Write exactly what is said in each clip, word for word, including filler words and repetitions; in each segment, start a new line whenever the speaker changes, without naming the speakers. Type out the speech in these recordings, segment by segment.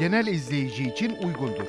genel izleyici için uygundur.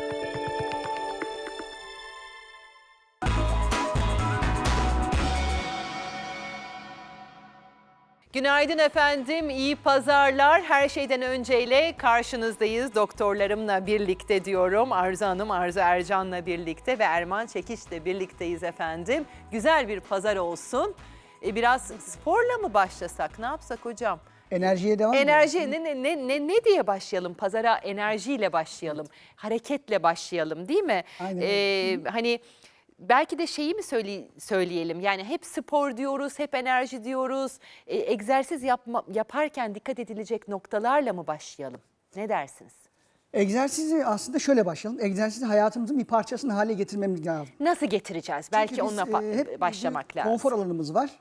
Günaydın efendim, iyi pazarlar. Her şeyden önceyle karşınızdayız. Doktorlarımla birlikte diyorum. Arzu Hanım, Arzu Ercan'la birlikte ve Erman Çekiç'le birlikteyiz efendim. Güzel bir pazar olsun. E, biraz sporla mı başlasak, ne yapsak hocam?
Enerjiye devam
Enerji ne, ne, ne, ne diye başlayalım? Pazara enerjiyle başlayalım, hareketle başlayalım değil mi?
Aynen
Ee, hani belki de şeyi mi söyle, söyleyelim, yani hep spor diyoruz, hep enerji diyoruz. Ee, egzersiz yapma, yaparken dikkat edilecek noktalarla mı başlayalım? Ne dersiniz?
Egzersizi aslında şöyle başlayalım. Egzersizi hayatımızın bir parçasını hale getirmemiz lazım.
Nasıl getireceğiz? Belki
Çünkü biz,
onunla
e, hep
başlamak
bir
lazım.
konfor alanımız var.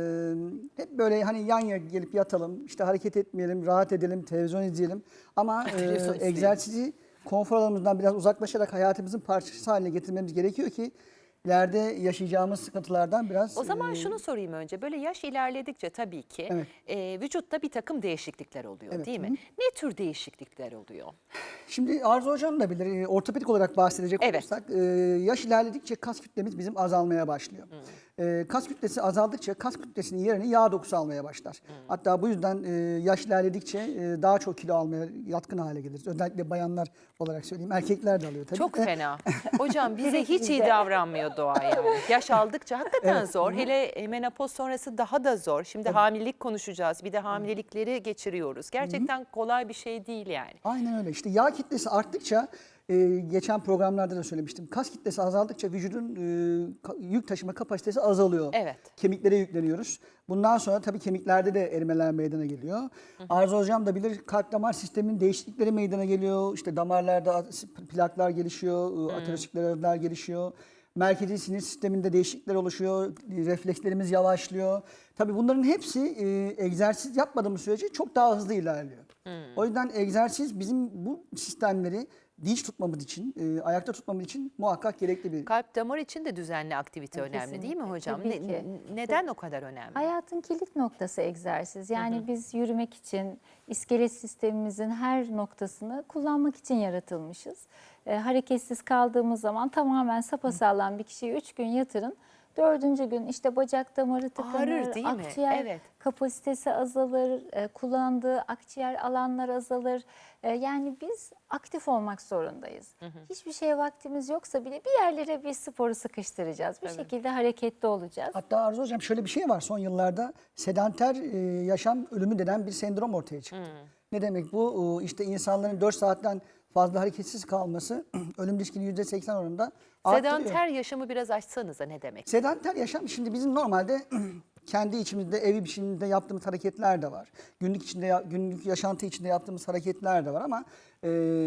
Ee, hep böyle hani yan yana gelip yatalım, işte hareket etmeyelim, rahat edelim, televizyon izleyelim. Ama e,
Televizyon izleyelim.
egzersizi konfor alanımızdan biraz uzaklaşarak hayatımızın parçası haline getirmemiz gerekiyor ki ileride yaşayacağımız sıkıntılardan biraz...
O zaman
e,
şunu sorayım önce. Böyle yaş ilerledikçe tabii ki
Evet.
e, vücutta bir takım değişiklikler oluyor
Evet,
değil mi?
hı hı.
Ne tür değişiklikler oluyor?
Şimdi Arzu Hocam da bilir, e, ortopedik olarak bahsedecek
Evet.
olursak e, yaş ilerledikçe kas kütlemiz bizim azalmaya başlıyor. E, kas kütlesi azaldıkça kas kütlesinin yerini yağ dokusu almaya başlar. Hatta bu yüzden e, yaş ilerledikçe e, daha çok kilo almaya yatkın hale geliriz. Özellikle bayanlar olarak söyleyeyim. Erkekler de alıyor tabii.
Çok
de.
fena. Hocam bize hiç iyi davranmıyor doğa yani. Yaş aldıkça hakikaten
Evet.
zor. Hele menopoz sonrası daha da zor. Şimdi hamilelik konuşacağız. Bir de hamilelikleri geçiriyoruz. Gerçekten kolay bir şey değil yani.
Aynen öyle. İşte yağ kitlesi arttıkça, e, geçen programlarda da söylemiştim. Kas kitlesi azaldıkça vücudun e, ka- yük taşıma kapasitesi azalıyor.
Evet.
Kemiklere yükleniyoruz. Bundan sonra tabii kemiklerde de erimeler meydana geliyor. Hı hı. Arzu Hocam da bilir, kalp damar sisteminin değişiklikleri meydana geliyor. İşte damarlarda plaklar gelişiyor, e, ateroskleroz gelişiyor. Merkezi sinir sisteminde değişiklikler oluşuyor, reflekslerimiz yavaşlıyor. Tabii bunların hepsi e, egzersiz yapmadığımız sürece çok daha hızlı ilerliyor. Hmm. O yüzden egzersiz bizim bu sistemleri dinç tutmamız için, e, ayakta tutmamız için muhakkak gerekli bir...
Kalp damar için de düzenli aktivite önemli değil mi
Kesinlikle,
hocam?
tabii
Ne-
ki.
neden o kadar önemli?
Hayatın kilit noktası egzersiz. Yani biz yürümek için iskelet sistemimizin her noktasını kullanmak için yaratılmışız. E, hareketsiz kaldığımız zaman tamamen sapasağlam bir kişiyi üç gün yatırın. Dördüncü gün işte bacak damarı tıkanır,
Ağrır değil mi?
akciğer
Evet.
kapasitesi azalır, e, kullandığı akciğer alanlar azalır. E, yani biz aktif olmak zorundayız. Hiçbir şeye vaktimiz yoksa bile bir yerlere bir sporu sıkıştıracağız. Bir şekilde hareketli olacağız.
Hatta Arzu Hocam şöyle bir şey var, son yıllarda sedanter e, yaşam ölümü denen bir sendrom ortaya çıktı. Ne demek bu? E, İşte insanların dört saatten fazla hareketsiz kalması ölüm riskini yüzde seksen oranında arttırıyor.
Sedanter yaşamı biraz açsanıza ne demek?
Sedanter yaşam, şimdi bizim normalde kendi içimizde ev içinde yaptığımız hareketler de var. Günlük içinde günlük yaşantı içinde yaptığımız hareketler de var ama e,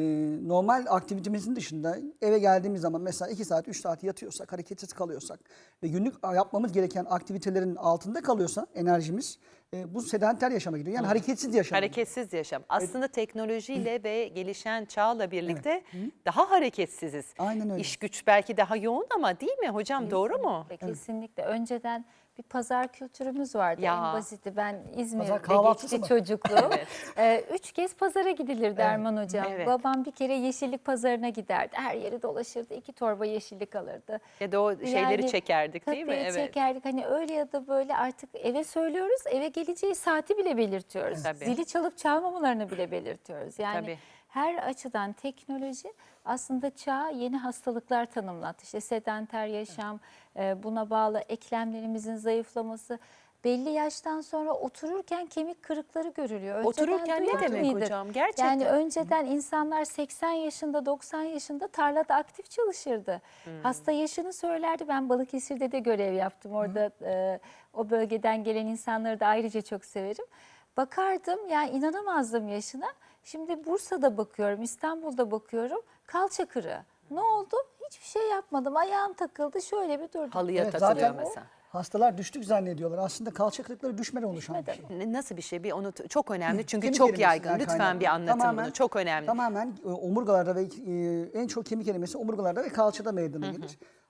normal aktivitemizin dışında eve geldiğimiz zaman mesela iki saat üç saat yatıyorsak, hareketsiz kalıyorsak ve günlük yapmamız gereken aktivitelerin altında kalıyorsa enerjimiz, e, bu sedanter yaşama gidiyor. Yani hareketsiz yaşam.
Hareketsiz yaşam. Aslında teknolojiyle ve gelişen çağla birlikte daha hareketsiziz.
Aynen öyle.
İş güç belki daha yoğun ama değil mi hocam, doğru mu?
Kesinlikle, kesinlikle. Önceden bir pazar kültürümüz vardı
Ya.
en basiti. Ben
Pazar
İzmir'de
kahvaltısı
geçti
mı?
çocukluğum. Ee, üç kez pazara gidilirdi Erman Hocam.
Evet.
Babam bir kere yeşillik pazarına giderdi. Her yeri dolaşırdı. İki torba yeşillik alırdı.
Ya da o şeyleri çekerdik değil mi?
Tabii
Evet.
çekerdik. Hani öyle ya da böyle artık eve söylüyoruz. Eve geleceği saati bile belirtiyoruz.
Tabii.
Zili çalıp çalmamalarını bile belirtiyoruz. Yani
Tabii.
her açıdan teknoloji aslında çağa yeni hastalıklar tanımlattı. İşte sedanter yaşam, e, buna bağlı eklemlerimizin zayıflaması. Belli yaştan sonra otururken kemik kırıkları görülüyor. Önceden
Otururken ne
duyar
demek
mıydın?
hocam? Gerçekten.
Yani önceden insanlar seksen yaşında, doksan yaşında tarlada aktif çalışırdı. Hasta yaşını söylerdi. Ben Balıkesir'de de görev yaptım. Orada e, o bölgeden gelen insanları da ayrıca çok severim. Bakardım, yani inanamazdım yaşına. Şimdi Bursa'da bakıyorum, İstanbul'da bakıyorum. Kalça kırığı. Ne oldu? Hiçbir şey yapmadım. Ayağım takıldı, şöyle bir durdum.
Halıya
Evet,
takılıyor
zaten
mesela.
hastalar düştük zannediyorlar. Aslında kalça kırıkları düşmeden oluşan bir şey.
Ne- Nasıl bir şey? Bir onu çok önemli çünkü
Kemik
çok
erimesinden
yaygın. Lütfen
kaynaklı.
bir anlatın
Tamamen-
bunu. Çok önemli.
Tamamen e, omurgalarda ve e, en çok kemik erimesi omurgalarda ve kalçada meydana gelir.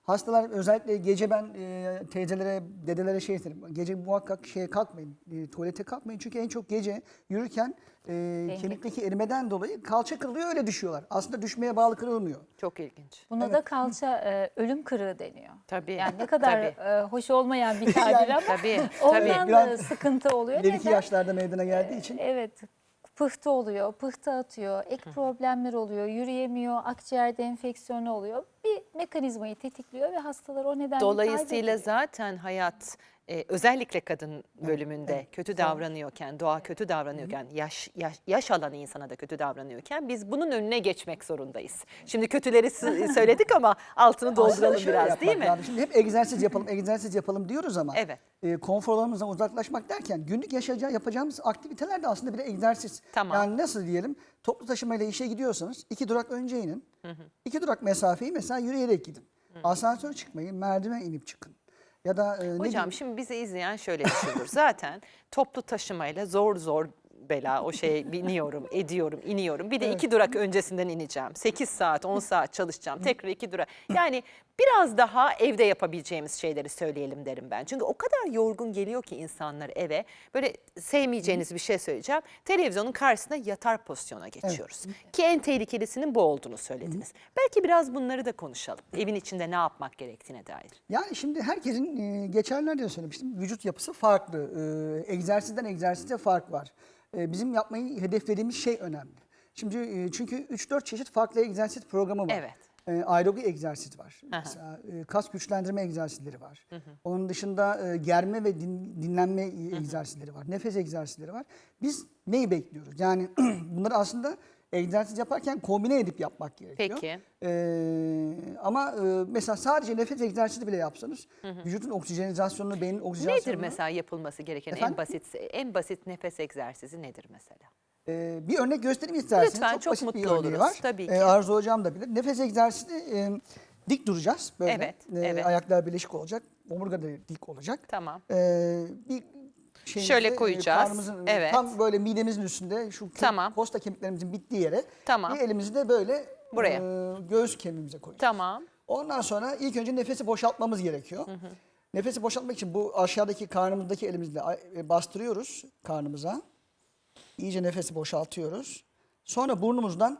Hastalar özellikle gece ben e, teyzelere, dedelere şey isterim. Gece muhakkak şeye kalkmayın, e, tuvalete kalkmayın. Çünkü en çok gece yürürken e, kemikteki erimeden dolayı kalça kırılıyor, öyle düşüyorlar. Aslında düşmeye bağlı kırılmıyor.
Çok ilginç.
Buna da kalça e, ölüm kırığı deniyor.
Tabii.
Yani ne kadar
Tabii.
e, hoş olmayan bir tabir ama
Tabii,
ondan
tabii.
da
Biraz
sıkıntı oluyor.
İleriki
Neden?
yaşlarda meydana geldiği için.
Evet. Pıhtı oluyor, pıhtı atıyor, ek problemler oluyor, yürüyemiyor, akciğerde enfeksiyonu oluyor. Bir mekanizmayı tetikliyor ve hastalar o nedenle
Dolayısıyla
kaybediyor.
zaten hayat e, özellikle kadın bölümünde
evet.
kötü davranıyorken, doğa kötü davranıyorken, yaş, yaş yaş alan insana da kötü davranıyorken biz bunun önüne geçmek zorundayız. Şimdi kötüleri s- söyledik ama altını
Aslında
dolduralım
şöyle
biraz,
yapmak
değil mi?
lazım. Şimdi hep egzersiz yapalım, egzersiz yapalım diyoruz ama
Evet.
e, konfor alanımızdan uzaklaşmak derken günlük yaşayacağı, yapacağımız aktiviteler de aslında bir egzersiz.
Tamam.
Yani nasıl diyelim, toplu taşımayla işe gidiyorsanız iki durak önce inin. İki durak mesafeyi mesela yürüyerek gidin. Asansör çıkmayın, merdiven inip çıkın. Ya da e, ne
Hocam
bileyim,
şimdi bizi izleyen şöyle düşünür. Zaten toplu taşımayla zor zor bela o şeye biniyorum, ediyorum, iniyorum. Bir de iki durak öncesinden ineceğim. sekiz saat, on saat çalışacağım. Tekrar iki durak. Yani biraz daha evde yapabileceğimiz şeyleri söyleyelim derim ben. Çünkü o kadar yorgun geliyor ki insanlar eve. Böyle sevmeyeceğiniz bir şey söyleyeceğim. Televizyonun karşısında yatar pozisyona geçiyoruz. Ki en tehlikelisinin bu olduğunu söylediniz. Belki biraz bunları da konuşalım. Evin içinde ne yapmak gerektiğine dair.
yani şimdi herkesin e, geçenlerde de söylemiştim, vücut yapısı farklı. E, egzersizden egzersize fark var. E, bizim yapmayı hedeflediğimiz şey önemli. Şimdi e, çünkü üç dört çeşit farklı egzersiz programı var.
Evet.
E, aerobi egzersiz var. Mesela e, kas güçlendirme egzersizleri var. Onun dışında e, germe ve din- dinlenme egzersizleri var. Nefes egzersizleri var. Biz neyi bekliyoruz? Yani bunları aslında egzersiz yaparken kombine edip yapmak gerekiyor.
Peki.
Ee, ama e, mesela sadece nefes egzersizi bile yapsanız vücudun oksijenizasyonunu, beynin
Nedir
oksijenizasyonunu...
mesela yapılması gereken en
Efendim?
basit en basit nefes egzersizi nedir mesela?
Ee, bir örnek göstereyim isterseniz.
Lütfen, çok
basit
mutlu
bir örneği
oluruz.
var.
Tabii
Ee,
ki.
Arzu hocam da bilir. Nefes egzersizi e, dik duracağız böyle.
Evet,
Ee,
evet.
Ayaklar birleşik olacak. Omurga da dik olacak.
Tamam.
Ee, bir şeyimizi,
Şöyle
e,
koyacağız.
karnımızın,
Evet.
Tam böyle midemizin üstünde şu ke-
Tamam.
kosta kemiklerimizin bittiği yere
Tamam.
bir elimizi de böyle
Buraya.
e, göğüs kemiğimize koyacağız.
Tamam.
Ondan sonra ilk önce nefesi boşaltmamız gerekiyor. Nefesi boşaltmak için bu aşağıdaki karnımızdaki elimizle e, bastırıyoruz karnımıza. İyice nefesi boşaltıyoruz. Sonra burnumuzdan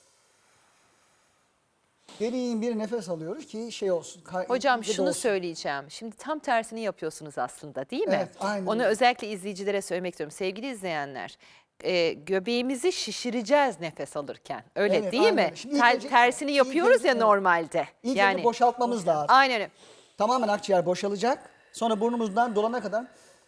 derin bir nefes alıyoruz ki şey olsun. kar-
Hocam
iyice
şunu
dolsun.
söyleyeceğim. Şimdi tam tersini yapıyorsunuz aslında, değil mi?
Evet, aynen
Onu
öyle.
özellikle izleyicilere söylemek istiyorum. Sevgili izleyenler, e, göbeğimizi şişireceğiz nefes alırken. Öyle
Evet,
değil
aynen
mi?
öyle. Şimdi ilk
Ter-
önce-
tersini
ilk
yapıyoruz
önce-
ya
evet.
normalde.
İlk
yani
önce boşaltmamız lazım.
aynen öyle.
Tamamen akciğer boşalacak. Sonra burnumuzdan dolana kadar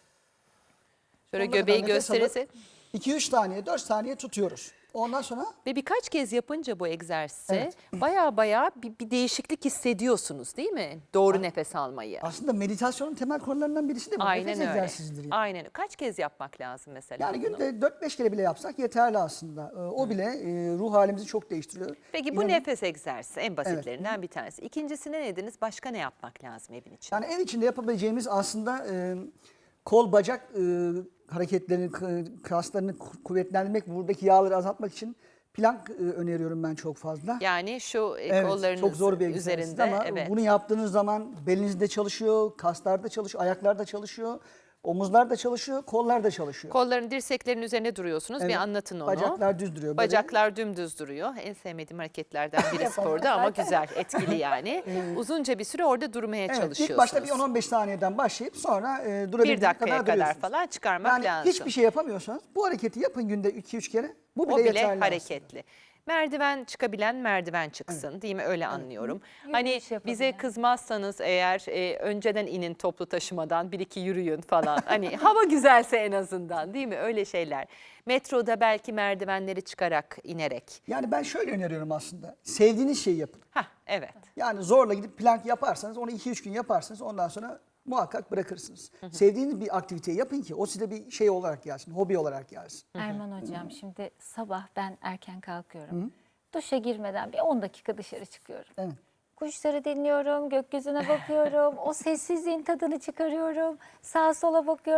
Şöyle
sonuna
göbeği
kadar nefes alıp
gösterirse
iki üç saniye, dört saniye tutuyoruz. Ondan sonra
ve birkaç kez yapınca bu egzersizi
Evet.
baya baya bir, bir değişiklik hissediyorsunuz, değil mi? Doğru nefes almayı.
aslında meditasyonun temel konularından birisi de bu.
Aynen
Nefes
öyle.
egzersizidir. yani.
Aynen öyle. Kaç kez yapmak lazım mesela
Yani
bunu?
günde dört beş kere bile yapsak yeterli aslında. Ee, O bile e, ruh halimizi çok değiştiriyor.
Peki bu
İnanın-
nefes egzersizi en basitlerinden bir tanesi. İkincisi ne dediniz? Başka ne yapmak lazım evin için?
Yani ev içinde yapabileceğimiz aslında e, kol bacak e, hareketlerini, k- kaslarını ku- kuvvetlendirmek, buradaki yağları azaltmak için plank e, öneriyorum ben çok fazla.
Yani şu e,
Evet,
kollarınız
çok zor bir egzersiz
üzerinde.
ama
evet.
bunu yaptığınız zaman belinizde çalışıyor, kaslarda çalışıyor, ayaklarda çalışıyor, omuzlar da çalışıyor, kollar da çalışıyor.
Kolların, dirseklerin üzerine duruyorsunuz. Bir
Evet,
anlatın onu.
Bacaklar düz duruyor. Böyle.
Bacaklar dümdüz duruyor. En sevmediğim hareketlerden biri
Yapamam
sporda ama
zaten.
güzel, etkili yani. Uzunca bir süre orada durmaya
Evet,
çalışıyorsunuz.
ilk başta bir on on beş saniyeden başlayıp sonra e, durabildiğiniz
Bir dakikaya
kadar
kadar
duruyorsunuz.
falan çıkarmak
yani
lazım.
hiçbir şey yapamıyorsanız bu hareketi yapın günde iki üç kere. Bu bile,
O bile
yeterli
hareketli. Merdiven çıkabilen merdiven çıksın, değil mi? Öyle anlıyorum. Hani
Yürüyüş yapabilen.
bize kızmazsanız eğer e, önceden inin toplu taşımadan, bir iki yürüyün falan. Hani hava güzelse en azından, değil mi? Öyle şeyler. Metroda belki merdivenleri çıkarak, inerek.
aslında. Yani ben şöyle öneriyorum aslında. Sevdiğiniz şeyi yapın.
Hah, evet.
Yani zorla gidip plank yaparsanız onu iki üç gün yaparsınız ondan sonra muhakkak bırakırsınız. Sevdiğiniz bir aktiviteyi yapın ki o size bir şey olarak gelsin, hobi olarak gelsin.
Erman hocam şimdi sabah ben erken kalkıyorum. Duşa girmeden bir on dakika dışarı çıkıyorum.
Evet.
Kuşları dinliyorum, gökyüzüne bakıyorum, o sessizliğin tadını çıkarıyorum, sağa sola bakıyorum.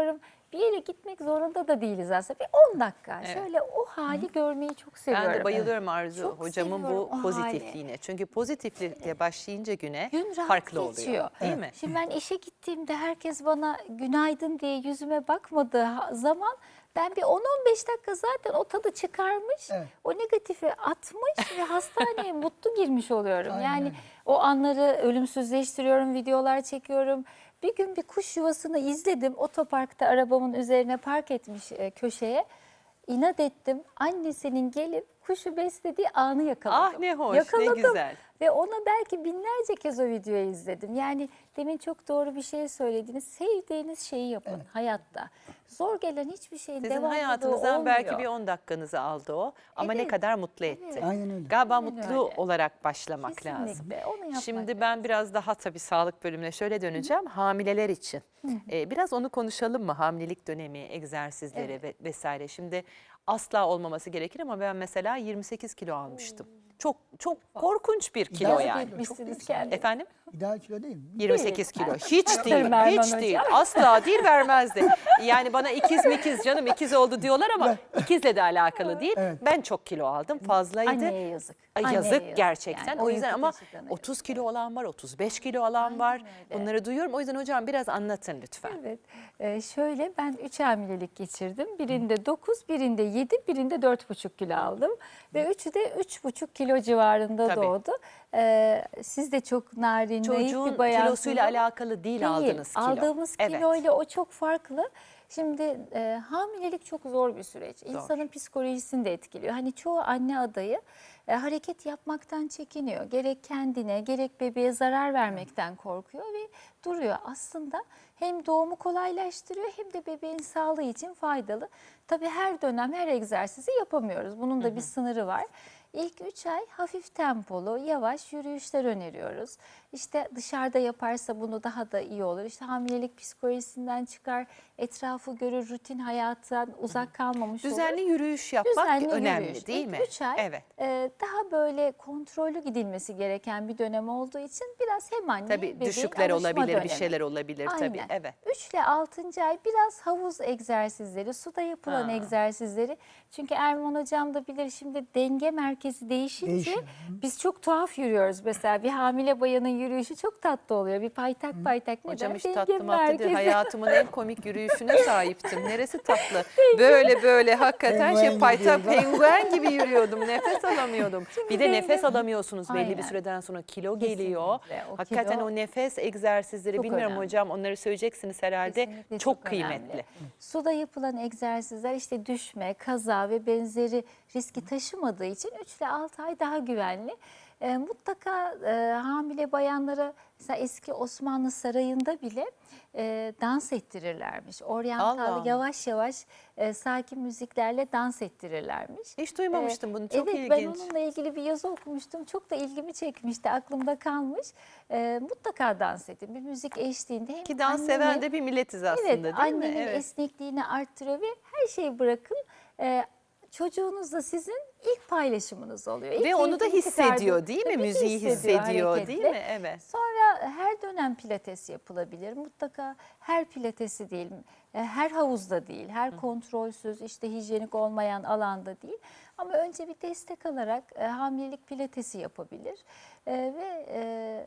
bir yere gitmek zorunda da değiliz aslında. Bir on dakika
Evet.
şöyle o hali görmeyi çok seviyorum.
Ben de bayılıyorum Arzu
Çok
hocamın bu
seviyorum o
pozitifliğine. Çünkü pozitiflikle başlayınca güne
Gün rahat
farklı
geçiyor.
oluyor. Değil mi?
Şimdi ben işe gittiğimde herkes bana günaydın diye yüzüme bakmadığı ha- zaman ben bir on on beş dakika zaten o tadı çıkarmış,
Evet.
o negatifi atmış ve hastaneye mutlu girmiş oluyorum.
Aynen
yani
öyle.
o anları ölümsüzleştiriyorum, videolar çekiyorum. Bir gün bir kuş yuvasını izledim. Otoparkta arabamın üzerine park etmiş e, köşeye. İnat ettim. Annesinin gelip kuşu beslediği anı yakaladım.
Ah ne hoş, ne
Yakaladım.
güzel.
Ve ona belki binlerce kez o videoyu izledim. Yani demin çok doğru bir şey söylediniz. Sevdiğiniz şeyi yapın hayatta. Zor gelen hiçbir şeyin
Sizin
devamlılığı
hayatınızdan
olmuyor.
belki bir on dakikanızı aldı o ama ne
Evet,
kadar mutlu etti.
evet.
Aynen öyle.
Galiba
Aynen
mutlu
öyle.
olarak başlamak lazım.
Kesinlikle, onu yapmak
Şimdi ben
lazım.
biraz daha tabii sağlık bölümüne şöyle döneceğim. Hamileler için. Ee, biraz onu konuşalım mı? Hamilelik dönemi, egzersizleri ve vesaire. Şimdi asla olmaması gerekir ama ben mesela yirmi sekiz kilo almıştım. Çok çok korkunç bir kilo
İdeal
yani.
kilo.
Etmişsiniz kendinizi.
Efendim?
İdeal kilo değil mi?
yirmi sekiz kilo. Hiç değil,
Erman
hiç
Hocam.
değil. Asla değil vermezdi. Yani bana ikiz mikiz canım ikiz oldu diyorlar ama ikizle de alakalı değil.
Evet.
Ben çok kilo aldım, fazlaydı.
Anneye yazık.
Ay,
Anneye
yazık gerçekten.
Yani
o yüzden
uyku
ama
taşıdığına
otuz kilo olan var, otuz beş kilo olan var.
öyle.
Bunları duyuyorum. O yüzden hocam biraz anlatın lütfen.
Evet. Ee, şöyle ben üç hamilelik geçirdim. Birinde dokuz, birinde yedi, birinde dört buçuk kilo aldım. Ve üçü de üç buçuk kilo civarında
Tabii.
doğdu. Ee, siz de çok narin, naif
Çocuğun
bir bayansınız.
kilosuyla alakalı değil, aldığınız kilo.
Aldığımız
Evet.
kiloyla o çok farklı. Şimdi e, hamilelik çok zor bir süreç. İnsanın psikolojisini de etkiliyor. Hani çoğu anne adayı e, hareket yapmaktan çekiniyor. Gerek kendine gerek bebeğe zarar vermekten korkuyor ve duruyor. Aslında hem doğumu kolaylaştırıyor hem de bebeğin sağlığı için faydalı. Tabii her dönem her egzersizi yapamıyoruz. Bunun da bir sınırı var. İlk üç ay hafif tempolu, yavaş yürüyüşler öneriyoruz. İşte dışarıda yaparsa bunu daha da iyi olur. İşte hamilelik psikolojisinden çıkar, etrafı görür, rutin hayattan uzak kalmamış olur.
Düzenli yürüyüş yapmak
Düzenli
önemli
yürüyüş.
değil
İlk
mi?
üç ay
Evet.
e, daha böyle kontrollü gidilmesi gereken bir dönem olduğu için biraz hem anne
Tabii
bebeğin
düşükler
alışma
olabilir, bir
dönemi.
şeyler olabilir tabii.
Aynen.
Evet.
üç ile altıncı ay biraz havuz egzersizleri, suda yapılan
Ha.
egzersizleri. Çünkü Erman Hocam da bilir şimdi denge merkezi değişince
Değişiyor.
biz çok tuhaf yürüyoruz. Mesela bir hamile bayanın yürüyüşü çok tatlı oluyor. Bir paytak paytak neden?
Hocam hiç
Denge
tatlı matlı değil.
merkezi.
Hayatımın en komik yürüyüşüne sahiptim. Neresi tatlı? Böyle böyle hakikaten
Penguen
şey
gibi
paytak
yürüyordu.
penguen gibi yürüyordum. Nefes alamıyordum. Bir de
denge-
nefes alamıyorsunuz belli bir
Aynen.
süreden sonra. Kilo geliyor.
Kesinlikle. O
Hakikaten
kilo
o nefes egzersizleri
çok
bilmiyorum
önemli.
hocam onları söyleyeceksiniz herhalde.
Kesinlikle
Çok,
önemli.
kıymetli.
Suda yapılan egzersizler işte düşme, kaza ve benzeri riski taşımadığı için üç ile altı ay daha güvenli. E, mutlaka e, hamile bayanlara mesela eski Osmanlı sarayında bile e, dans ettirirlermiş. Oryantal
Allah Allah.
yavaş yavaş e, sakin müziklerle dans ettirirlermiş.
Hiç duymamıştım bunu. Çok
evet,
ilginç.
ben onunla ilgili bir yazı okumuştum. Çok da ilgimi çekmişti, aklımda kalmış. E, mutlaka dans edin. Bir müzik eşliğinde hem
Ki dans
annenin-
seven de bir milletiz aslında
Evet,
değil mi?
annenin
Evet.
esnekliğini arttırıyor ve her şeyi bırakın. Ee, çocuğunuzla sizin ilk paylaşımınız oluyor. İlk
Ve onu da
keyfini
hissediyor
çıkardığı-
değil mi?
Tabii ki
Müziği hissediyor değil
hareketle.
mi? Evet.
Sonra her dönem pilates yapılabilir. Mutlaka her pilatesi değil, e, her havuzda değil, her kontrolsüz, işte hijyenik olmayan alanda değil. Ama önce bir destek alarak e, hamilelik pilatesi yapabilir. E, ve e,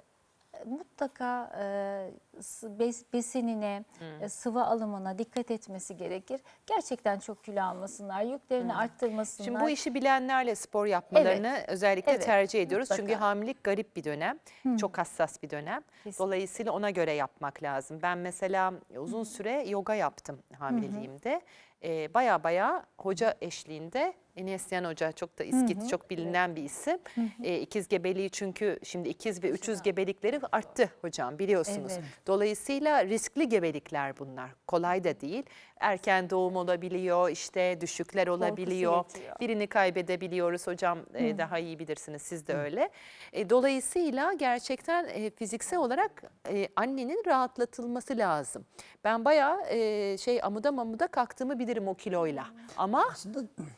mutlaka e, s- bes- besinine, e, sıvı alımına dikkat etmesi gerekir. Gerçekten çok kilo almasınlar, yüklerini arttırmasınlar.
Şimdi bu işi bilenlerle spor yapmalarını özellikle
Evet,
tercih ediyoruz.
mutlaka.
Çünkü hamilelik garip bir dönem, çok hassas bir dönem.
Kesinlikle.
Dolayısıyla ona göre yapmak lazım. Ben mesela uzun süre yoga yaptım hamileliğimde. Ee, baya baya hoca eşliğinde, Enesyan Hoca çok da İskit, çok bilinen bir isim. Ee, ikiz gebeliği çünkü şimdi ikiz ve üçüz gebelikleri arttı hocam biliyorsunuz.
Evet.
Dolayısıyla riskli gebelikler bunlar. Kolay da değil. Erken doğum olabiliyor, işte düşükler olabiliyor.
yetiyor.
Birini kaybedebiliyoruz hocam e, daha iyi bilirsiniz siz de öyle. E, dolayısıyla gerçekten e, fiziksel olarak e, annenin rahatlatılması lazım. Ben bayağı e, şey amuda mamuda kalktığımı bilirim o kiloyla. Ama
Aslında
e, hoca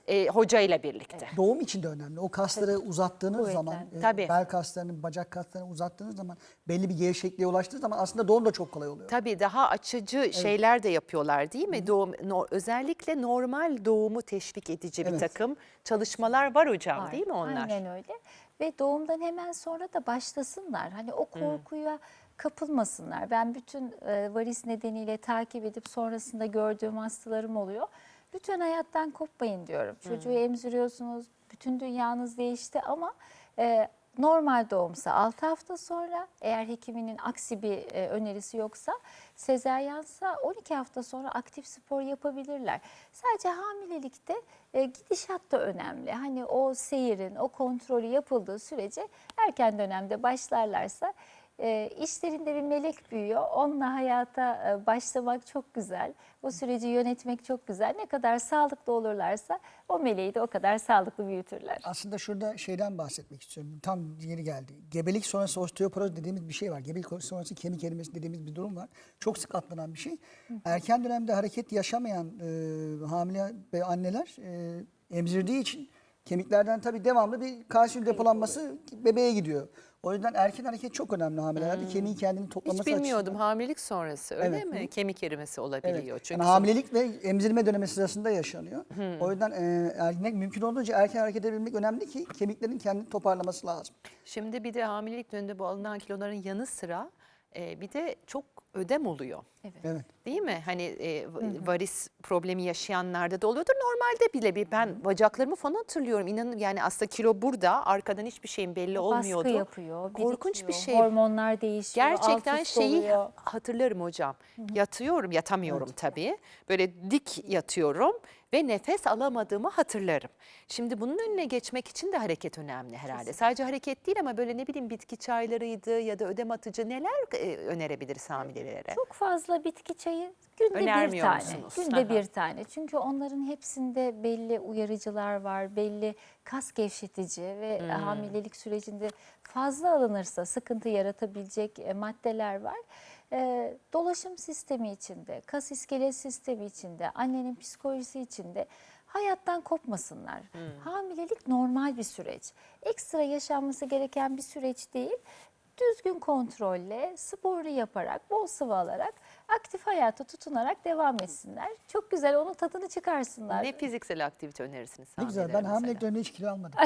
kocayla birlikte.
Doğum için de önemli. O kasları uzattığınız
Kuvvetlen.
zaman, e,
Tabii.
bel kaslarını, bacak kaslarını uzattığınız zaman, belli bir gevşekliğe ulaştığı zaman aslında doğum da çok kolay oluyor.
Tabii daha açıcı şeyler de yapıyorlar değil mi? Doğum, no- özellikle normal doğumu teşvik edici bir
Evet.
takım çalışmalar var hocam
Var.
değil mi onlar?
Aynen öyle. Ve doğumdan hemen sonra da başlasınlar. Hani o korkuya kapılmasınlar. Ben bütün e, varis nedeniyle takip edip sonrasında gördüğüm hastalarım oluyor. Lütfen hayattan kopmayın diyorum. Çocuğu emziriyorsunuz, bütün dünyanız değişti ama e, normal doğumsa altı hafta sonra, eğer hekiminin aksi bir e, önerisi yoksa, sezaryensa on iki hafta sonra aktif spor yapabilirler. Sadece hamilelikte e, gidişat da önemli. Hani o seyirin, o kontrolü yapıldığı sürece erken dönemde başlarlarsa e, işlerinde bir melek büyüyor. Onunla hayata e, başlamak çok güzel. O süreci yönetmek çok güzel. Ne kadar sağlıklı olurlarsa o meleği de o kadar sağlıklı büyütürler.
Aslında şurada şeyden bahsetmek istiyorum. Tam yeri geldi. Gebelik sonrası osteoporoz dediğimiz bir şey var. Gebelik sonrası kemik erimesi dediğimiz bir durum var. Çok sık atlanan bir şey. Erken dönemde hareket yaşamayan e, hamile ve anneler e, emzirdiği için kemiklerden tabii devamlı bir kalsiyum depolanması bebeğe gidiyor. O yüzden erken hareket çok önemli hamilelerde. Kemiğin kendini toplaması
Hiç bilmiyordum
açısından.
hamilelik sonrası öyle
Evet.
mi? Kemik erimesi olabiliyor.
Evet.
Çünkü
Yani hamilelik ve emzirme dönemi sırasında yaşanıyor. O yüzden e, erkek mümkün olduğunca erken hareket edebilmek önemli ki kemiklerin kendini toparlaması lazım.
şimdi bir de hamilelik döneminde bu alınan kiloların yanı sıra e, bir de çok ödem oluyor.
Evet.
Değil mi? Hani e, varis problemi yaşayanlarda da oluyordur. Normalde bile bir ben bacaklarımı falan hatırlıyorum. İnanın yani aslında kilo burada, arkadan hiçbir şeyin belli olmuyordu.
Baskı yapıyor,
Korkunç bir
birikiyor,
şey.
hormonlar değişiyor,
Gerçekten
alt üst
şeyi
oluyor.
hatırlarım hocam. Yatıyorum, yatamıyorum tabii. Böyle dik yatıyorum ve nefes alamadığımı hatırlarım. Şimdi bunun önüne geçmek için de hareket önemli herhalde. Sadece hareket değil ama böyle ne bileyim bitki çaylarıydı ya da ödem atıcı neler e, önerebiliriz hamilelere?
Çok fazla bitki çayı günde bir
Önermiyor
tane.
musunuz?
Günde
Aha.
bir tane. Çünkü onların hepsinde belli uyarıcılar var, belli kas gevşetici ve
Hmm.
hamilelik sürecinde fazla alınırsa sıkıntı yaratabilecek e, maddeler var. E, dolaşım sistemi içinde, kas iskelet sistemi içinde, annenin psikolojisi içinde hayattan kopmasınlar. Hamilelik normal bir süreç. Ekstra yaşanması gereken bir süreç değil. Düzgün kontrolle, sporlu yaparak, bol sıvı alarak, aktif hayata tutunarak devam etsinler. Çok güzel, onun tadını çıkarsınlar.
Ne fiziksel aktivite önerirsiniz
Ne güzel. Ben
hamilelere
hamilelik
mesela?
döneminde hiç kilo almadım.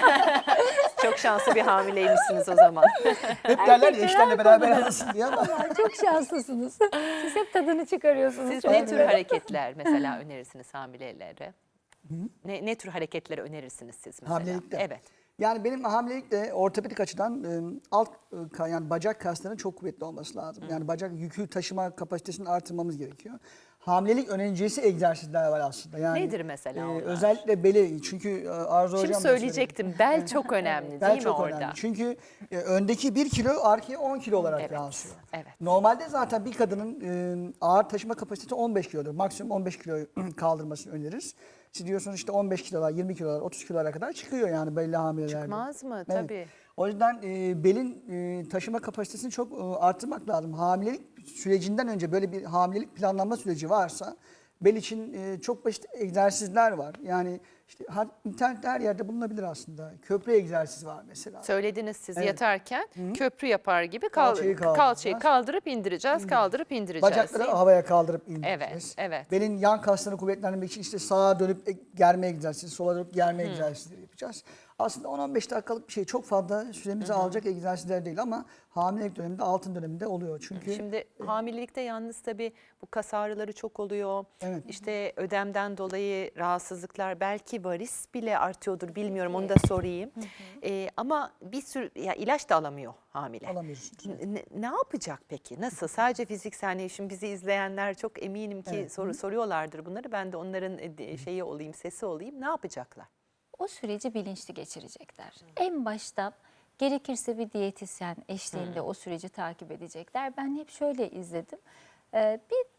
Çok şanslı bir hamileymişsiniz o zaman.
Hep derler ya
Erkekler
eşlerle
her
beraber
konuda.
alırsın diye ama.
Vallahi çok şanslısınız. Siz hep tadını çıkarıyorsunuz.
Siz
Çok
ne
güzel.
tür hareketler mesela önerirsiniz hamilelere? Ne, ne tür hareketler önerirsiniz siz mesela?
Hamilelikte.
Evet.
Yani benim hamilelikte ortopedik açıdan e, alt e, ka- yani bacak kaslarının çok kuvvetli olması lazım. Yani bacak yükü taşıma kapasitesini artırmamız gerekiyor. Hamilelik önericisi egzersizler var aslında. Yani
Nedir mesela onlar?
özellikle beli çünkü e, Arzu
Şimdi
Hocam da söyledi.
söyleyecektim. Bel çok önemli
Bel
değil mi
çok
orada?
önemli. Çünkü e, öndeki bir kilo arkaya on kilo olarak
Evet,
yansıyor.
evet.
Normalde zaten bir kadının e, ağır taşıma kapasitesi on beş kilodur. Maksimum on beş kilo kaldırmasını öneririz. Siz diyorsunuz işte on beş kilolar, yirmi kilolar, otuz kilolara kadar çıkıyor yani belli hamilelerde.
Çıkmaz mı?
Evet.
Tabii.
O yüzden e, belin e, taşıma kapasitesini çok e, arttırmak lazım. Hamilelik sürecinden önce böyle bir hamilelik planlanma süreci varsa bel için e, çok basit egzersizler var. Yani işte her, internette her yerde bulunabilir aslında. Köprü egzersizi var mesela.
Söylediniz siz
Evet.
yatarken köprü yapar gibi kal
Kalçayı
kalçayı,
kaldıracağız.
kaldırıp indireceğiz, kaldırıp indireceğiz.
Bacakları
değil mi?
havaya kaldırıp indireceğiz.
Evet, evet.
Belin yan kaslarını kuvvetlendirmek için işte sağa dönüp e, germe egzersizi, sola dönüp germe egzersizleri yapacağız. Aslında on on beş dakikalık bir şey, çok fazla süremizi alacak egzersizler değil ama hamilelik döneminde, altın döneminde oluyor. Çünkü
Şimdi hamilelikte yalnız tabii bu kas ağrıları çok oluyor.
Evet.
İşte ödemden dolayı rahatsızlıklar, belki varis bile artıyordur bilmiyorum, onu da sorayım. Ee, ama bir sürü ya ilaç da alamıyor hamile.
alamıyorsunuz.
Ne, ne yapacak peki? Nasıl? Sadece fiziksel, hani şimdi bizi izleyenler çok eminim ki
Evet.
soru soruyorlardır bunları. Ben de onların e, şeyi olayım, sesi olayım. Ne yapacaklar?
O süreci bilinçli geçirecekler. En başta gerekirse bir diyetisyen eşliğinde o süreci takip edecekler. Ben hep şöyle izledim. Ee, bir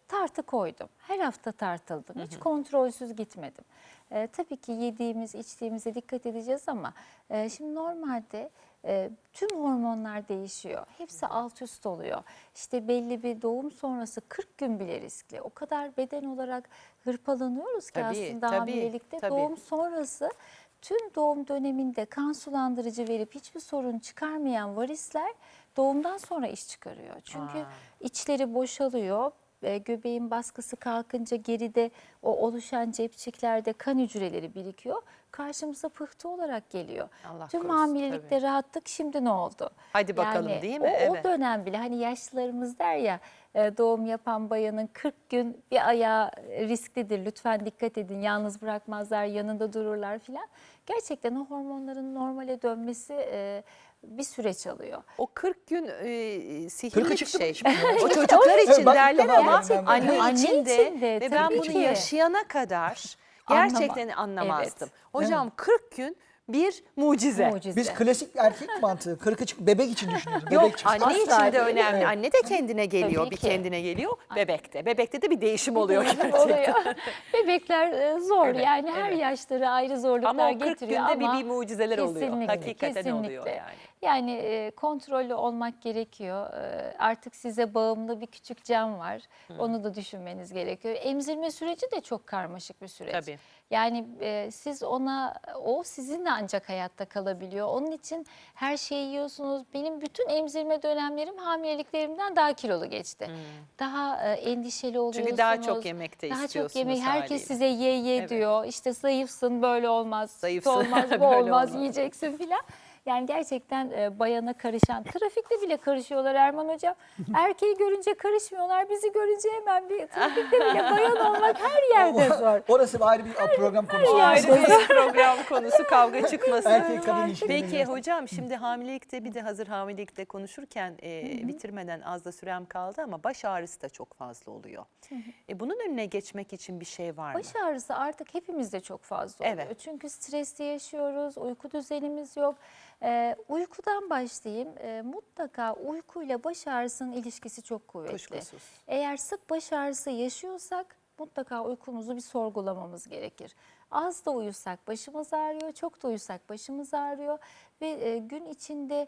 tartı koydum. Her hafta tartıldım. Hiç kontrolsüz gitmedim. E, tabii ki yediğimiz, içtiğimize dikkat edeceğiz ama e, şimdi normalde e, tüm hormonlar değişiyor. Hepsi alt üst oluyor. İşte belli bir doğum sonrası kırk gün bile riskli. O kadar beden olarak hırpalanıyoruz ki
Tabii,
aslında
tabii,
hamilelikte.
tabii.
Doğum sonrası tüm doğum döneminde kan sulandırıcı verip hiçbir sorun çıkarmayan varisler doğumdan sonra iş çıkarıyor. Çünkü
Aa.
içleri boşalıyor. E, göbeğin baskısı kalkınca geride o oluşan cepçiklerde kan hücreleri birikiyor. Karşımıza pıhtı olarak geliyor.
Allah
Tüm
korusun,
hamilelikte
tabii.
rahattık, şimdi ne oldu?
Hadi bakalım, değil mi?
O,
Evet.
o dönem bile hani yaşlılarımız der ya e, doğum yapan bayanın kırk gün bir ayağı risklidir. Lütfen dikkat edin, yalnız bırakmazlar, yanında dururlar filan. Gerçekten o hormonların normale dönmesi e, bir süreç alıyor.
O kırk gün e, sihirli
Kırkı
bir
çıktı mı
şey.
şimdi?
O çocuklar için
Bak,
derler
tamam,
ama
gerçekten.
anne
Anne
için de
için de,
ve ben
tabii
bunu
ki.
yaşayana kadar
Anlama-
gerçekten anlamazdım.
Evet.
Hocam kırk gün bir mucize.
Mucize.
Biz klasik erkek mantığı kırkı çık bebek için düşünüyoruz. Bebek
Yok,
için.
anne
Asla
için de
değil.
önemli.
Evet.
Anne de kendine geliyor,
Tabii
bir
ki.
kendine geliyor. Bebekte. Bebekte de bir değişim oluyor
Değişim
gerçekten.
oluyor. Bebekler e, zor
Evet,
yani her
evet.
yaşları ayrı zorluklar
Ama o kırk
getiriyor
günde bir,
ama
bir mucizeler oluyor.
kesinlikle,
Hakikaten oluyor
kesinlikle.
yani.
Yani e, kontrollü olmak gerekiyor. E, artık size bağımlı bir küçük can var. Onu da düşünmeniz gerekiyor. Emzirme süreci de çok karmaşık bir süreç.
Tabii.
Yani e, siz ona, o sizinle ancak hayatta kalabiliyor. Onun için her şeyi yiyorsunuz. Benim bütün emzirme dönemlerim hamileliklerimden daha kilolu geçti. Daha e, endişeli oluyorsunuz.
Çünkü daha çok yemek de
Daha çok
istiyorsunuz
yemek. Herkes
haliyle.
size ye ye
Evet.
diyor. İşte zayıfsın, böyle olmaz.
Zayıfsın,
Olmaz, bu
böyle
olmaz,
olmaz.
yiyeceksin filan. Yani gerçekten e, bayana karışan, trafikte bile karışıyorlar Erman Hocam. Erkeği görünce karışmıyorlar, bizi görünce hemen bir trafikte bile bayan olmak her yerde zor.
Orası ayrı bir program konusu.
O ayrı bir program konusu, kavga çıkmasın.
Erkek kadın ilişkileri.
Peki hocam, şimdi hamilelikte bir de hazır hamilelikte konuşurken e, bitirmeden az da sürem kaldı ama baş ağrısı da çok fazla oluyor. E, bunun önüne geçmek için bir şey var mı?
Baş ağrısı artık hepimizde çok fazla oluyor.
Evet.
Çünkü stresli yaşıyoruz, uyku düzenimiz yok. Ee, uykudan başlayayım. Ee, mutlaka uykuyla baş ağrısının ilişkisi çok kuvvetli.
Kuşkusuz.
Eğer sık baş ağrısı yaşıyorsak mutlaka uykumuzu bir sorgulamamız gerekir. Az da uyusak başımız ağrıyor, çok da uyusak başımız ağrıyor ve e, gün içinde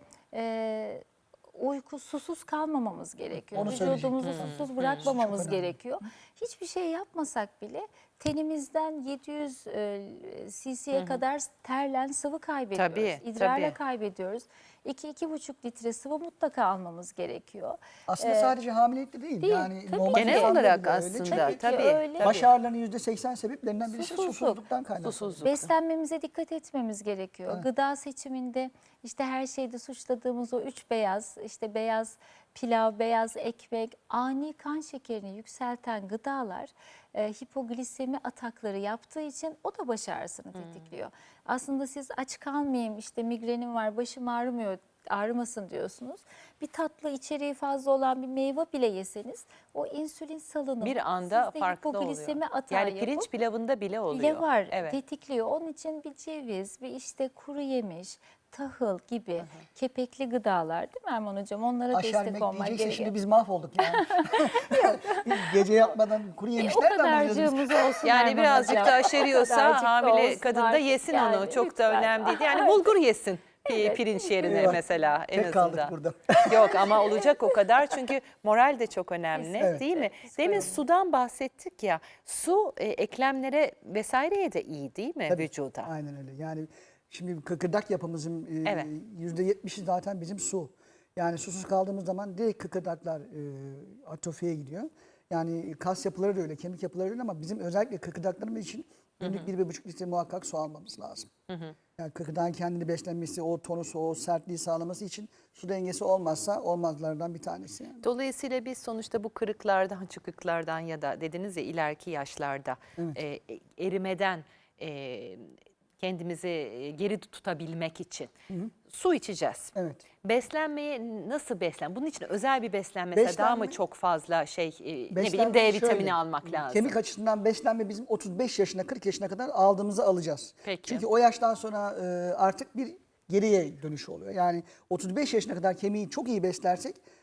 e, uyku susuz kalmamamız gerekiyor.
Onu
Vücudumuzu
söyleyecektim.
susuz bırakmamamız
Çok önemli.
gerekiyor. Hiçbir şey yapmasak bile tenimizden yedi yüz cc'ye kadar terlen sıvı kaybediyoruz.
Tabii,
İdrarla
tabii.
kaybediyoruz. iki iki buçuk litre sıvı mutlaka almamız gerekiyor.
Aslında
Ee,
sadece hamilelikte değil.
değil,
yani
tabii
normal
ki.
Genel
insanda
olarak
bile öyle.
aslında
Çünkü
Tabii ki
tabii.
öyle.
tabii.
baş ağrılarının yüzde seksen sebeplerinden birisi
Susuzluk.
susuzluktan kaynaklı.
Susuzluk.
Beslenmemize dikkat etmemiz gerekiyor.
Evet.
Gıda seçiminde işte her şeyde suçladığımız o üç beyaz, işte beyaz pilav, beyaz ekmek, ani kan şekerini yükselten gıdalar e, hipoglisemi atakları yaptığı için o da baş ağrısını tetikliyor. Aslında siz aç kalmayayım, işte migrenim var, başım ağrımıyor, ağrımasın diyorsunuz. Bir tatlı içeriği fazla olan bir meyve bile yeseniz o insülin salınımı
Bir anda
sizde
farklı oluyor.
hipoglisemi atağı
Yani pirinç
yapıp
pilavında bile oluyor.
bile var,
Evet.
tetikliyor. Onun için bir ceviz, bir işte kuru yemiş, tahıl gibi kepekli gıdalar, değil mi Erman Hocam? Onlara
Aşağı
destek
yemek
olmak
diyecekse
gerekiyor.
şimdi biz mahvolduk yani. Biz gece yatmadan kuru
E, o
yemişler de alacağız biz.
kadarcığımız olsun
Yani
Erman
birazcık
Hocam.
da
O
aşeriyorsa
kadarcık da
hamile
olsun
kadın da
artık.
yesin
Yani
onu. Çok da
lütfen.
önemli değil. Yani bulgur yesin pi-
Evet.
pirinç yerine
Eyvah.
mesela en
Tek
azından.
kaldık burada.
Yok ama olacak o kadar çünkü moral de çok önemli,
Evet.
değil mi? Demin sudan bahsettik ya. Su e, eklemlere vesaireye de iyi, değil mi
Tabii,
vücuda?
Aynen öyle. Yani şimdi kıkırdak yapımızın
Evet.
yüzde yetmişi zaten bizim su. Yani susuz kaldığımız zaman direkt kıkırdaklar e, atrofiye gidiyor. Yani kas yapıları da öyle, kemik yapıları da öyle ama bizim özellikle kıkırdaklarımız için günlük bir, bir buçuk litre muhakkak su almamız lazım. Yani kıkırdağın kendini beslenmesi, o tonusu, o sertliği sağlaması için su dengesi olmazsa olmazlardan bir tanesi. Yani.
Dolayısıyla biz sonuçta bu kırıklardan, çıkıklardan ya da dediniz ya ileriki yaşlarda
Evet.
e, erimeden e, kendimizi e, geri tutabilmek için su içeceğiz.
Evet.
Beslenmeye nasıl beslen? Bunun için özel bir beslenme mesela daha mı
Beslenme-
çok fazla şey e, ne bileyim
Beslenme
D vitamini
şöyle,
almak lazım?
Kemik açısından beslenme bizim otuz beş yaşına kırk yaşına kadar aldığımızı alacağız.
Peki.
Çünkü o yaştan sonra e, artık bir geriye dönüş oluyor. Yani otuz beş yaşına kadar kemiği çok iyi beslersek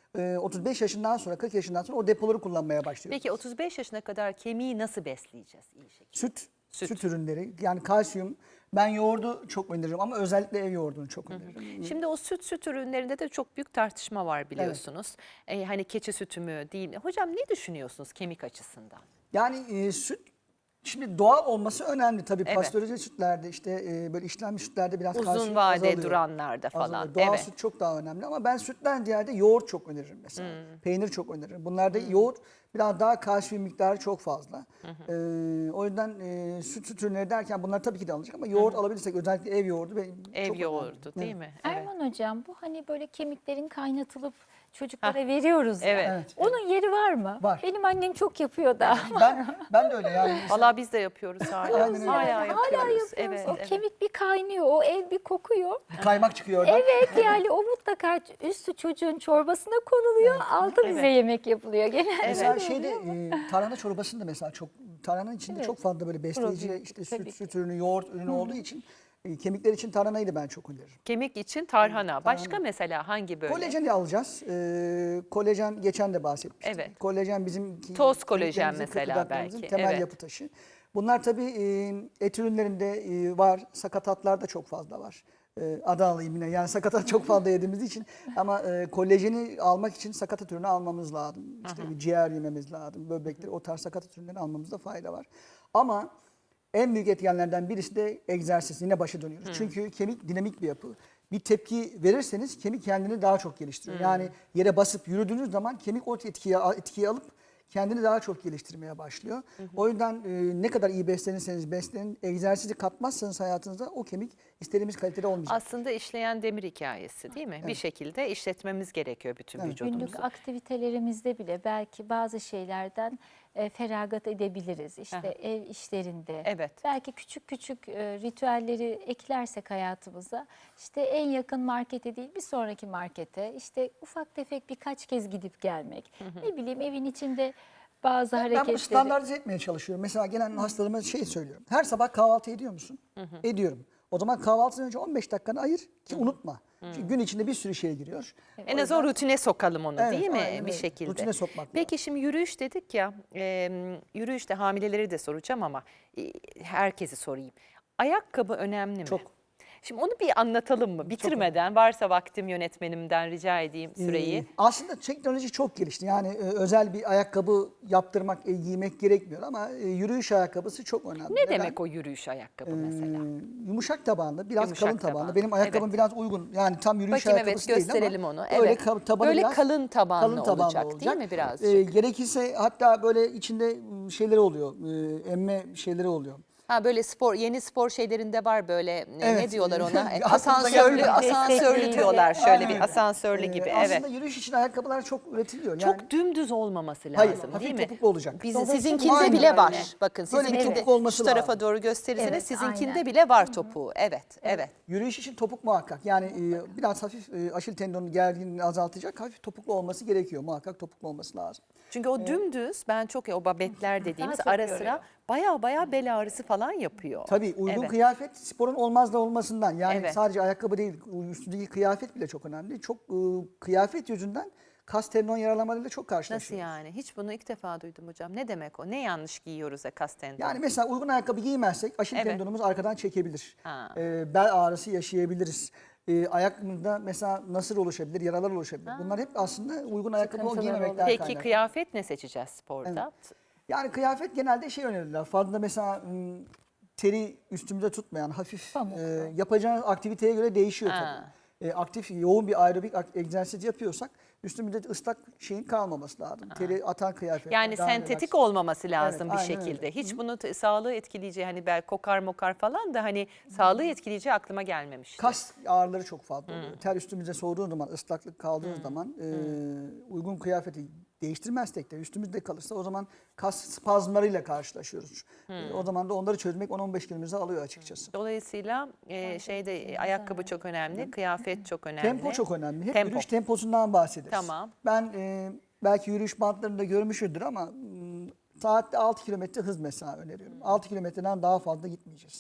e, otuz beş yaşından sonra, kırk yaşından sonra o depoları kullanmaya başlıyoruz.
Peki otuz beş yaşına kadar kemiği nasıl besleyeceğiz iyi şekilde?
Süt,
Süt.
süt, ürünleri, yani kalsiyum. Ben yoğurdu çok öneririm ama özellikle ev yoğurdunu çok öneririm.
Şimdi o süt süt ürünlerinde de çok büyük tartışma var biliyorsunuz. Ee, hani keçi sütü mü değil mi? Hocam ne düşünüyorsunuz kemik açısından?
Yani e, süt, şimdi doğal olması önemli tabii.
Evet.
Pastörize sütlerde işte e, böyle işlenmiş sütlerde biraz kalsiyum
Uzun vade
azalıyor.
duranlarda falan.
Azalıyor. Doğal
Evet.
süt çok daha önemli ama ben sütten ziyade yoğurt çok öneririm mesela.
Hmm.
Peynir çok öneririm. Bunlarda yoğurt biraz daha kalsiyum miktarı çok fazla. Ee, o yüzden e, süt süt ürünleri derken bunlar tabii ki de alınacak ama yoğurt alabilirsek özellikle ev yoğurdu benim
Ev
çok
yoğurdu
önemli.
değil mi? Evet.
Erman hocam bu hani böyle kemiklerin kaynatılıp çocuklara veriyoruz ya.
Evet.
Evet.
Onun yeri var mı?
Var.
Benim annem çok yapıyor da.
Ben ben de öyle yani.
Valla biz de yapıyoruz hala.
Aynen öyle.
Hala
Hala
yapıyoruz.
yapıyoruz.
Evet,
O
evet.
kemik bir kaynıyor, o el bir kokuyor.
Kaymak çıkıyor oradan.
Evet yani o mutlaka üstü çocuğun çorbasına konuluyor, altı bize
Evet.
yemek yapılıyor genelde.
Mesela
öyle
şeyde
oluyor.
e, tarhana çorbasında mesela çok tarhananın içinde
Evet.
çok fazla böyle besleyici
Probiyotik,
işte
tabii
süt
ki.
süt ürünü, yoğurt ürünü olduğu için e, kemikler için tarhanayı da ben çok öneririm.
Kemik için tarhana. Başka mesela hangi böyle?
Kolajeni alacağız. Ee, kolajen geçen de bahsetmiştik.
Evet.
Kolajen bizim
Toz kolajen
kemiklerimizin,
mesela
kıkırdaklarımızın
belki,
temel
evet.
yapı taşı. Bunlar tabii e, et ürünlerinde e, var. Sakatatlarda çok fazla var. E, adı alayım yine. Yani sakatat çok fazla yediğimiz için. Ama e, kolajeni almak için sakatat ürünü almamız lazım. İşte bir ciğer yememiz lazım. Böbrekler, o tarz sakatat ürünleri almamızda fayda var. Ama en büyük etkenlerden birisi de egzersiz. Yine başa dönüyoruz. Çünkü kemik dinamik bir yapı. Bir tepki verirseniz kemik kendini daha çok geliştiriyor. Yani yere basıp yürüdüğünüz zaman kemik o etkiyi, etkiyi alıp kendini daha çok geliştirmeye başlıyor. O yüzden e, ne kadar iyi beslenirseniz beslenin, egzersizi katmazsanız hayatınıza o kemik istediğimiz kalitede olmayacak.
Aslında işleyen demir hikayesi değil mi? Bir şekilde işletmemiz gerekiyor bütün
Evet.
vücudumuzu.
Günlük aktivitelerimizde bile belki bazı şeylerden e, feragat edebiliriz. İşte
Aha.
ev işlerinde.
Evet.
Belki küçük küçük e, ritüelleri eklersek hayatımıza, işte en yakın markete değil bir sonraki markete, işte ufak tefek birkaç kez gidip gelmek. Ne bileyim evin içinde bazı
Ben
hareketleri.
bunu standartize etmeye çalışıyorum. Mesela gelen hastalarıma şey söylüyorum. Her sabah kahvaltı ediyor musun? Ediyorum. O zaman kahvaltıdan önce on beş dakikanı ayır ki unutma. Çünkü gün içinde bir sürü şey giriyor.
En az o rutine sokalım onu
Evet,
değil mi
aynen
bir
öyle.
şekilde?
Rutine sokmak
Peki şimdi yürüyüş dedik ya, e, yürüyüşte hamileleri de soracağım ama e, herkesi sorayım. Ayakkabı önemli mi?
Çok.
Şimdi onu bir anlatalım mı? Bitirmeden varsa vaktim yönetmenimden rica edeyim süreyi.
Ee, aslında teknoloji çok gelişti. Yani e, özel bir ayakkabı yaptırmak, e, giymek gerekmiyor ama e, yürüyüş ayakkabısı çok önemli.
Ne
Neden?
demek o yürüyüş ayakkabı mesela?
Ee, yumuşak tabanlı, biraz
Yumuşak
kalın tabanlı.
tabanlı,
Benim ayakkabım
evet.
biraz uygun. Yani tam yürüyüş
Bakayım, evet,
ayakkabısı değil ama
gösterelim onu.
Böyle,
Evet.
ka- tabanı
Böyle
biraz
kalın tabanlı olacak, değil mi birazcık?
Ee, gerekirse hatta böyle içinde m, şeyleri oluyor, e, emme şeyleri oluyor.
Ha böyle spor, yeni spor şeylerinde var böyle e, ne
Evet.
diyorlar ona? E,
Aklımıza
asansörlü,
gelmedi.
asansörlü
Destekleyici.
diyorlar şöyle
Aynen
bir
öyle.
asansörlü
Ee,
gibi.
Aslında
Evet.
yürüyüş için ayakkabılar çok üretiliyor.
Çok
Yani
dümdüz olmaması
Hayır,
lazım
hafif
değil mi?
topuklu olacak.
Biz,
Dolayısıyla
sizinkinde
aynen
bile
öyle.
var. Bakın
Böyle bir
sizinkinde
topuk olması
şu tarafa
lazım.
doğru gösterirseniz
Evet,
sizinkinde
aynen.
bile var topuğu. Evet, evet.
yürüyüş için topuk muhakkak. Yani e, biraz hafif e, aşil tendonun gerginliğini azaltacak hafif topuklu olması gerekiyor. Muhakkak topuklu olması lazım.
Çünkü o dümdüz ben çok o babetler dediğimiz
çok
ara
yoruyor.
sıra baya baya bel ağrısı falan yapıyor.
Tabii uygun
Evet.
kıyafet sporun olmazda olmasından. Yani
Evet.
sadece ayakkabı değil, üstündeki kıyafet bile çok önemli. Çok e, kıyafet yüzünden kas tendon yaralamalarıyla çok
Nasıl
karşılaşıyoruz.
yani? Hiç bunu ilk defa duydum hocam. Ne demek o? Ne yanlış giyiyoruz ya kas tendonu?
Yani mesela uygun ayakkabı giymezsek aşil
Evet.
tendonumuz arkadan çekebilir.
Ha.
E, bel ağrısı yaşayabiliriz. E, ayakımızda mesela nasır oluşabilir, yaralar oluşabilir. Bunlar hep aslında uygun ayakkabı
Sıkıntılar
giymemekten
Peki
kaynaklı.
kıyafet ne seçeceğiz sporda?
Yani kıyafet genelde şey önerirler. Fazla mesela m, teri üstümüze tutmayan hafif
Pamuklu.
e, yapacağınız aktiviteye göre değişiyor
Ha.
tabii. E, aktif yoğun bir aerobik ak- egzersiz yapıyorsak üstümüzde ıslak şeyin kalmaması lazım. Teri atan kıyafet.
Yani sentetik olmaması lazım bir
aynen
şekilde.
öyle.
Hiç bunu t- sağlığı etkileyeceği hani bel kokar mokar falan da hani sağlığı etkileyeceği aklıma gelmemişti.
Kas ağrıları çok fazla oluyor. Ter üstümüze soğuduğu zaman, ıslaklık kaldığı zaman e, uygun kıyafeti değiştirmezsek de üstümüzde kalırsa o zaman kas spazmlarıyla karşılaşıyoruz. E, o zaman da onları çözmek on on beş günümüzü alıyor açıkçası.
Dolayısıyla e, şeyde e, ayakkabı çok önemli, kıyafet çok önemli.
Tempo çok önemli. Hep
Tempo.
yürüyüş temposundan bahsederiz.
Tamam.
Ben e, belki yürüyüş bantlarında görmüşüzdür ama m, saatte altı kilometre hız mesela öneriyorum. altı kilometreden daha fazla gitmeyeceğiz.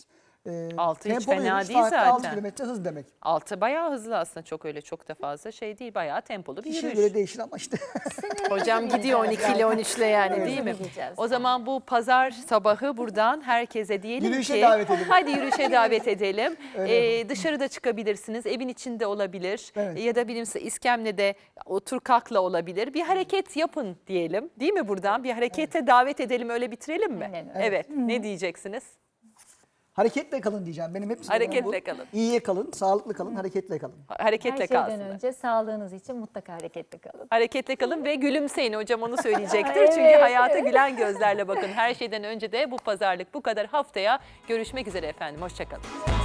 E,
Altı hiç
tempolu
fena
yürüyüş,
değil
saatte altı
zaten.
kilometre hız demek.
Altı bayağı hızlı aslında, çok öyle çok da fazla şey değil, bayağı tempolu bir
Kişiye
yürüyüş.
göre değişir ama işte.
Hocam gidiyor on iki ile on üç ile yani,
Evet,
değil mi?
gideceğiz.
O zaman bu pazar sabahı buradan herkese diyelim
Yürüyüşe
ki
davet edelim.
hadi yürüyüşe davet edelim.
Öyle
Ee, dışarıda çıkabilirsiniz, evin içinde olabilir.
Evet.
Ya da bilimse iskemlede otur kalkla olabilir. Bir hareket yapın diyelim, değil mi buradan? Bir harekete davet edelim, öyle bitirelim mi?
Aynen öyle.
Evet. Ne diyeceksiniz?
Hareketle kalın diyeceğim. Benim hep sloganım
Hareketle
bu.
kalın.
İyiye kalın, sağlıklı kalın, hareketle kalın.
Hareketle
Her şeyden
kalsın.
önce sağlığınız için mutlaka hareketli kalın.
Hareketle kalın ve gülümseyin, hocam onu söyleyecektir.
Evet,
Çünkü hayata
evet.
gülen gözlerle bakın. Her şeyden önce de bu pazarlık bu kadar. Haftaya görüşmek üzere efendim. Hoşça kalın.